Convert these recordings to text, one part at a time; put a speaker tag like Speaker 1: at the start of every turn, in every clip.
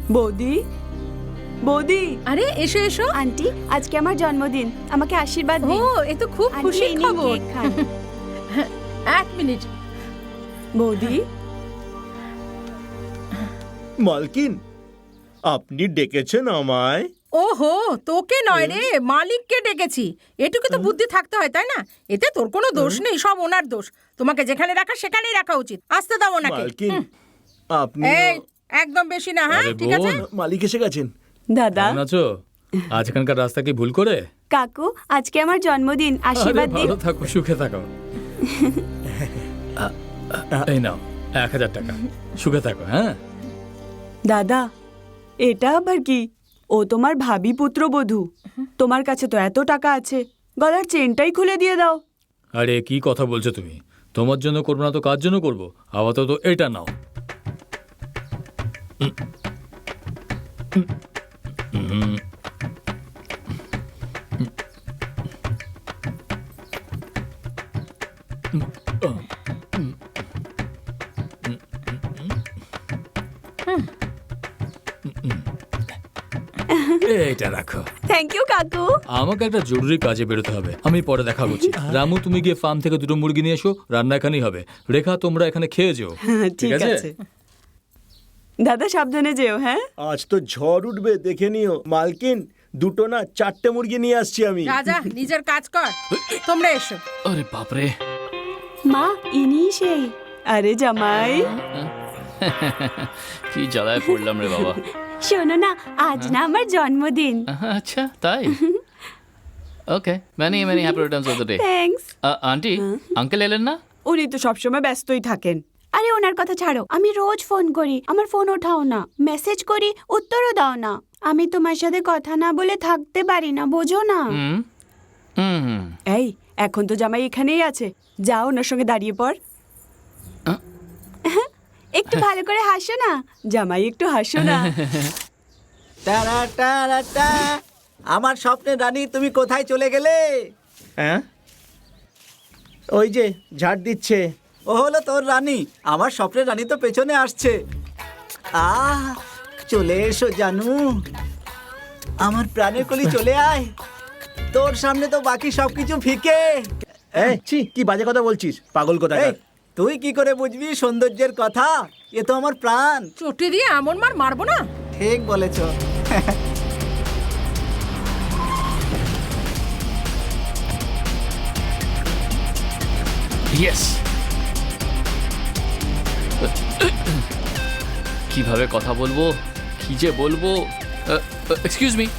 Speaker 1: বৌদি, বৌদি।
Speaker 2: আরে এসো এসো
Speaker 1: আন্টি, আজকে আমার জন্মদিন, আমাকে আশীর্বাদ
Speaker 2: ও
Speaker 1: দিন।
Speaker 2: এ তো খুব
Speaker 1: আন্টি,
Speaker 2: খুশির
Speaker 1: এই নিন
Speaker 2: খবর।
Speaker 1: কেক খান।
Speaker 2: এক মিনিট।
Speaker 1: বৌদি,
Speaker 3: মালকিন, আপনি ডেকেছেন আমায়?
Speaker 2: ওহো, তোকে নয় রে, মালিককে ডেকেছি। এটুকু তো বুদ্ধি থাকতে হয়, তাই না? এতে তোর কোনো দোষ নেই, সব ওনার দোষ। তোমাকে যেখানে রাখা সেখানেই রাখা উচিত। আসতে দাও ওনাকে।
Speaker 3: মালকিন, আপনি
Speaker 2: এই একদম বেশি না, হ্যাঁ?
Speaker 4: আরে
Speaker 2: ঠিক আছে।
Speaker 4: বোন।
Speaker 3: মালিক এসে গেছেন।
Speaker 1: দাদা,
Speaker 4: কেমন আছো? আজ এখানকার রাস্তা কি ভুল করে?
Speaker 1: কাকু, আজকে আমার জন্মদিন,
Speaker 4: আরে
Speaker 1: আশীর্বাদ দিন।
Speaker 4: ভালো থাকো, সুখে থাকো। এই নাও 1000 টাকা, সুখে থাকো। হ্যাঁ
Speaker 1: দাদা, এটা আবার কি? ও তোমার ভাবি পুত্রবধূ, তোমার কাছে তো এত টাকা আছে, গলার চেনটাই খুলে দিয়ে দাও।
Speaker 4: আরে কি কথা বলছো তুমি? তোমার জন্য করবো না তো কার জন্য করবো? আপাতত এটা নাও। এইটা রাখো।
Speaker 1: থ্যাংক ইউ কাকু।
Speaker 4: আমাকে একটা জরুরি কাজে বেরোতে হবে, আমি পরে দেখা করছি। রামু, তুমি গিয়ে ফার্ম থেকে 2টো মুরগি নিয়ে এসো, রান্না এখানেই হবে। রেখা, তোমরা এখানে খেয়ে যেও।
Speaker 1: ঠিক আছে দাদা, সাবধানে যেও। হ্যাঁ,
Speaker 3: আজ তো ঝড় উঠবে, দেখে নিও। মালকিন, 2টো না 4টে মুরগি নিয়ে আসছি আমি।
Speaker 2: যা যা, নিজের কাজ কর। তোমরা এসো।
Speaker 4: আরে বাপরে,
Speaker 1: মা, ইনি সেই। আরে জামাই,
Speaker 5: কি জ্বালায় পড়লাম রে বাবা।
Speaker 1: শোনো না, আজ না আমার জন্মদিন।
Speaker 5: আচ্ছা তাই? Okay, many many happy returns of the day.
Speaker 1: Thanks.
Speaker 5: Aunty, uncle এলেন না?
Speaker 1: উনি তো সবসময় ব্যস্তই থাকেন। আরে ওনার কথা ছাড়ো, আমি রোজ ফোন করি, আমার ফোন ওঠাও না, মেসেজ করি, উত্তরও দাও না। আমি তোমার সাথে কথা না বলে থাকতে পারি না, বোঝো না?
Speaker 5: হুম হুম।
Speaker 1: এই, এখন তো জামাই এখানেই আছে, যাও ওনার সঙ্গে দাঁড়িয়ে পড়। একটু ভালো করে হাসো না জামাই, একটু হাসো না।
Speaker 6: টারা টারা টা। আমার স্বপ্নের রানী, তুমি কোথায় চলে গেলে?
Speaker 3: হ্যাঁ, ওই যে ঝাড় দিচ্ছে।
Speaker 6: ও হলো তোর রানী, আমার স্বপ্নের রানী তো পেছনে আসছে। চলে এসো জানু, আমার প্রাণের কলি, চলে আয়। তোর সামনে তো বাকি সবকিছু ফিকে।
Speaker 3: এই, ছি, কি বাজে কথা বলছিস, পাগল কথা।
Speaker 6: এই, তুই কি করে বুঝবি সৌন্দর্যের কথা? এ তো আমার প্রাণ।
Speaker 2: চটি দিয়ে এমন মার মারবো না।
Speaker 6: ঠিক বলেছ।
Speaker 5: ইয়েস। কিভাবে কথা বলবো, কি যে বলবো। Excuse me,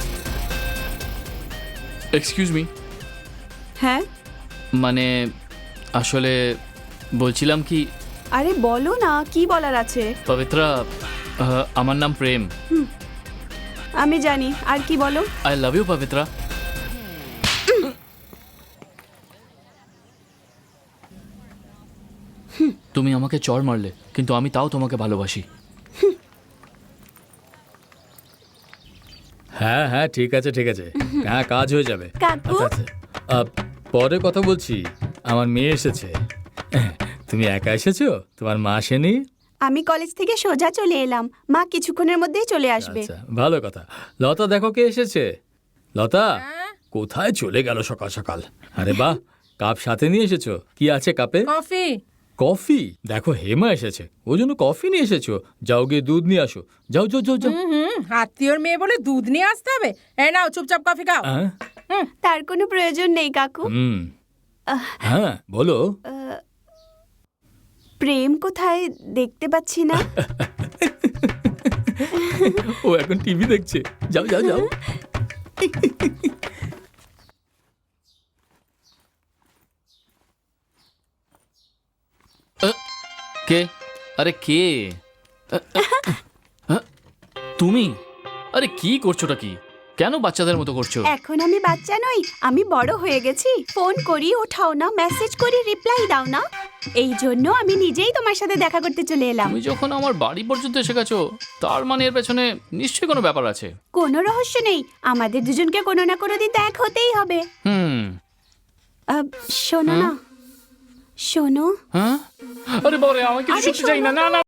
Speaker 5: excuse me.
Speaker 1: হ্যাঁ,
Speaker 5: মানে আসলে বলছিলাম কি,
Speaker 1: আরে বলো না, কি বলার আছে?
Speaker 5: পবিত্রা, আমার নাম প্রেম।
Speaker 1: আমি জানি, আর কি বলো?
Speaker 5: I love you Pavitra. তুমি আমাকে চড় মারলে, কিন্তু আমি তাও তোমাকে ভালোবাসি।
Speaker 4: হ্যাঁ হ্যাঁ, ঠিক আছে ঠিক আছে, হ্যাঁ কাজ হয়ে যাবে।
Speaker 1: কাকু,
Speaker 4: আচ্ছা আচ্ছা, পরে কথা বলছি। আমার মেয়ে এসেছে। তুমি একা এসেছো? তোমার মা আসেনি?
Speaker 1: আমি কলেজ থেকে সোজা চলে এলাম, মা কিছুক্ষণের মধ্যেই চলে আসবে।
Speaker 4: আচ্ছা, ভালো কথা। লতা, দেখো কে এসেছে। লতা, কোথায় চলে গেল সকাল সকাল? আরে বাহ, কাপ সাথে নিয়ে এসেছো? কি আছে কাপে?
Speaker 2: কফি।
Speaker 4: কফি? দেখো হেমা এসেছে, ওই জন্য কফি নিয়ে এসেছো। যাও গিয়ে দুধ নিয়ে আসো, যাও যাও যাও যাও।
Speaker 2: আত্মীয়র মেয়ে বলে দুধ নিয়ে আসতে হবে? এই নাও, চুপচাপ কফি খাও।
Speaker 4: হ্যাঁ?
Speaker 1: তার কোনো প্রয়োজন নেই কাকু।
Speaker 4: হুম, হ্যাঁ বলো।
Speaker 1: প্রেম কোথায় দেখতে পাচ্ছি না।
Speaker 4: ও এখন টিভি দেখছে, যাও যাও যাও।
Speaker 5: কে? আরে কে? তুমি? আরে কি করছোটা কি? কেন বাচ্চাদের মতো করছো?
Speaker 1: এখন আমি বাচ্চা নই, আমি বড় হয়ে গেছি। ফোন করি ওঠাও না, মেসেজ করি রিপ্লাই দাও না। এই জন্য আমি নিজেই তোমার সাথে দেখা করতে চলে এলাম।
Speaker 5: তুমি যখন আমার বাড়ি পর্যন্ত এসে গেছো, তার মানে এর পেছনে নিশ্চয়ই কোনো ব্যাপার আছে।
Speaker 1: কোনো রহস্য নেই, আমাদের দুজনকে কোনো না কোনো দিন দেখা হতেই হবে। শোনো না, শোনো।
Speaker 5: হ্যাঁ? আরে বাবা রে, আমি কিছু শুনতে চাই না। না না।